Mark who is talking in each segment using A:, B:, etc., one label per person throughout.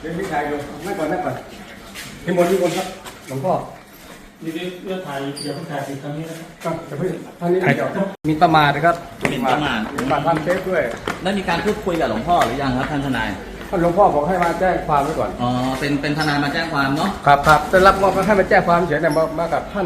A: เดี๋ยวพี่ชายดูนั่งก่อนพี่มนครับหลวงพ่อ
B: นี่เรื่องถ่ายอย่าเพิ่งถ่ายสิครั้งนี้นะครับ
A: จะเพิ่งท่านนี้เดี๋ยวมีประมาทนะครับ
C: หมิ่นประมาท
A: ทำเฟซด้วย
C: ได้มีการพูดคุยกับหลวงพ่อหรือยังครับท่านทนาย
A: ท่านหลวงพ่อบอกให้มาแจ้งความไว้ก่อน
C: อ๋อเป็นทนายมาแจ้งความเนาะ
A: ครับจะรับมอบให้มาแจ้งความเฉยๆเนี่ยมากับท่าน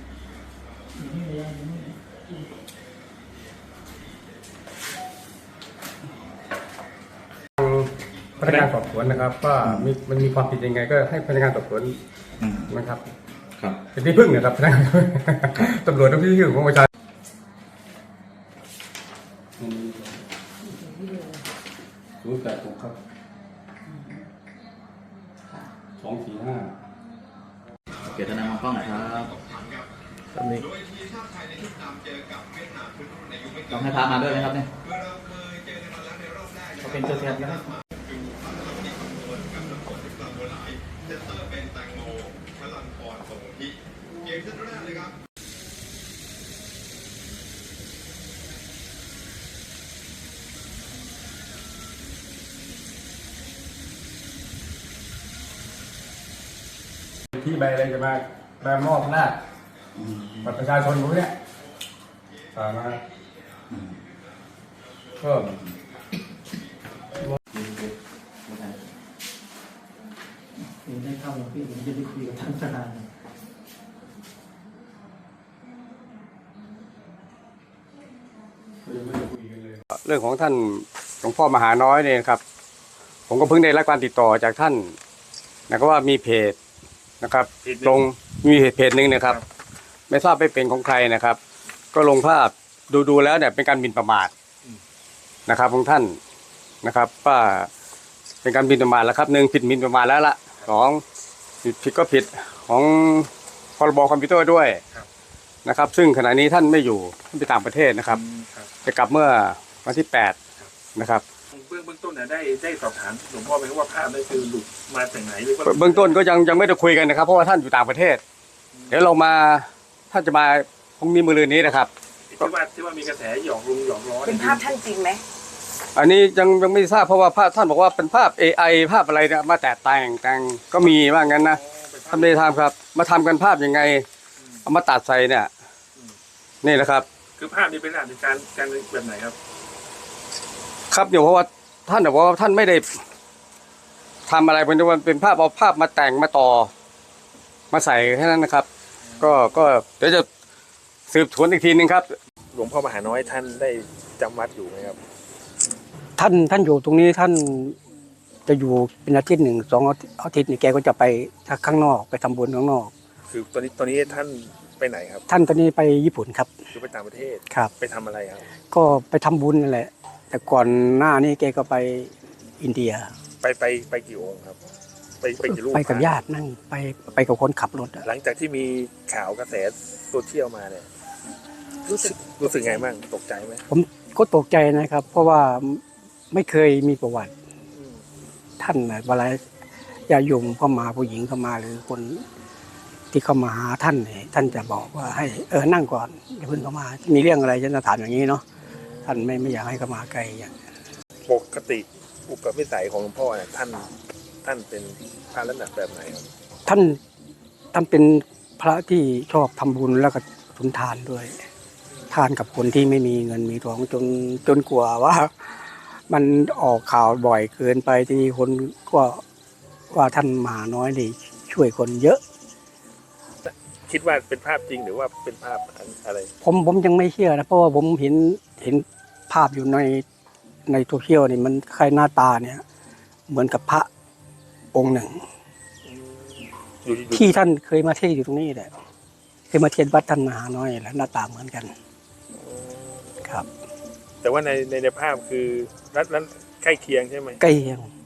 A: พนักงานสอบสวนนะครับว่ามันมีความผิดยังไงก็ให้พนักงานสอบสวนนะครับเป็นที่พึ่งนะครับตำรวจต้องที่พึ่งของประชาชน086ครับ245
C: โอเคทนายมองกล้องหน่อยครับตอนนี้ต้องให้พามาด้วยไหมครับเนี่ย
B: เขาเป็นตัวแทนนะครับ
A: ที่ใบอะไรจะมาแบบมอบหน้าบัตรประชาชนพวกนี้มาเพิ่ม
B: ได้เข้าแล้วพี่ผมจะไปคุยกับท่านทนาย
A: เรื่องของท่านหลวงพ่อมหาน้อยเนี่ยครับผมก็เพิ่งได้รับการติดต่อจากท่านนะครับว่ามีเพจนะครับลงมีเพจหนึ่งนะครับไม่ทราบไม่เป็นของใครนะครับก็ลงภาพดูแล้วเนี่ยเป็นการหมิ่นประมาทนะครับของท่านนะครับว่าเป็นการหมิ่นประมาทแล้วครับ1ผิดหมิ่นประมาทแล้วละ2ผิดก็ผิดของพรบคอมพิวเตอร์ด้วยนะครับซึ่งขณะนี้ท่านไม่อยู่ท่านไปต่างประเทศนะครับจะกลับเมื่อวันที่8นะครับ
D: เบื้องต้นได้สอบถามหลวงพ่อไหมว่าภาพได้คือหลุดมาจากไหนหรือว่า
A: เบื้องต้นก็ยังไม่ได้คุยกันนะครับเพราะว่าท่านอยู่ต่างประเทศเดี๋ยวเรามาท่านจะมาพรุ่งนี้มื้อนี้นะครับ
D: ที่ว่ามีกระแสหยอกล้อ
E: เป็นภาพท่านจริงไหม
A: อันนี้ยังไม่ทราบเพราะว่าภาพท่านบอกว่าเป็นภาพ AI ภาพอะไรเนี่ยมาแต่งก็มีว่างั้นนะท่านไม่ได้ทำครับมาทำกันภาพยังไงเอามาตัดใส่เนี่ยนี่นะครับ
D: คือภาพนี้เป็นอาชญากรการแบบไหนครับ
A: ครับเดี๋ยวเพราะว่าท่านบอกว่าท่านไม่ได้ทำอะไรเป็นภาพเอาภาพมาแต่งมาต่อมาใส่แค่นั้นนะครับก็เดี๋ยวจะสืบสวนอีกทีนึงครับ
D: หลวงพ่อมหาน้อยท่านได้จำวัดอยู่ไหมครับ
F: ท่านอยู่ตรงนี้ท่านจะอยู่เป็นอาทิตย์1-2 อาทิตย์นี่แกก็จะไปข้างนอกไปทำบุญข้างนอก
D: คือตอนนี้ท่านไปไหนครับ
F: ท่านตอนนี้ไปญี่ปุ่นครับ
D: คือไปต่างประเทศ
F: ครับ
D: ไปทำอะไรครับ
F: ก็ไปทำบุญนั่นแหละแต่ก่อนหน้านี้แกก็ไปอินเดีย
D: ไปกี่องค์ครับไปกี่รูป
F: ไปกับญาตินั่งไปกับคนขับรถ
D: หลังจากที่มีข่าวกระแสโซเชียลมาเนี่ยรู้สึกไงบ้างตกใจไหม
F: ผมก็ตกใจนะครับเพราะว่าไม่เคยมีประวัติท่านเวลาญาติโยมเข้ามาผู้หญิงเข้ามาหรือคนที่เข้ามาหาท่านเนี่ยท่านจะบอกว่าให้นั่งก่อนอย่าเพิ่งเข้ามามีเรื่องอะไรฉันจะถามอย่างนี้เนาะท่านไม่อยากให้เข้ามาไกลอย่าง
D: ปกติอุปนิสัยของหลวงพ่อเนี่ยท่านเป็นพระลักษณะแบบไหนครับ
F: ท่านเป็นพระที่ชอบทำบุญแล้วก็สุนทานด้วยทานกับคนที่ไม่มีเงินมีทองจนกลัวว่ามันออกข่าวบ่อยเกินไปทีนี้คนก็ว่าท่านมหาน้อยนี่ช่วยคนเยอะ
D: คิดว่าเป็นภาพจริงหรือว่าเป็นภาพอะไร
F: ผมยังไม่เชื่อนะเพราะว่าผมเห็นภาพอยู่ในโซเชียลนี่มันคล้ายหน้าตาเนี่ยเหมือนกับพระองค์หนึ่งที่ท่านเคยมาเทศอยู่ตรงนี้แหละเคยมาเทศวัดท่านมหาน้อยแล้วหน้าตาเหมือนกันครับ
D: แต่ว่าในภาพคือรัฐนั้นใกล้เคียงใช่ไหม
F: ใกล้เคียง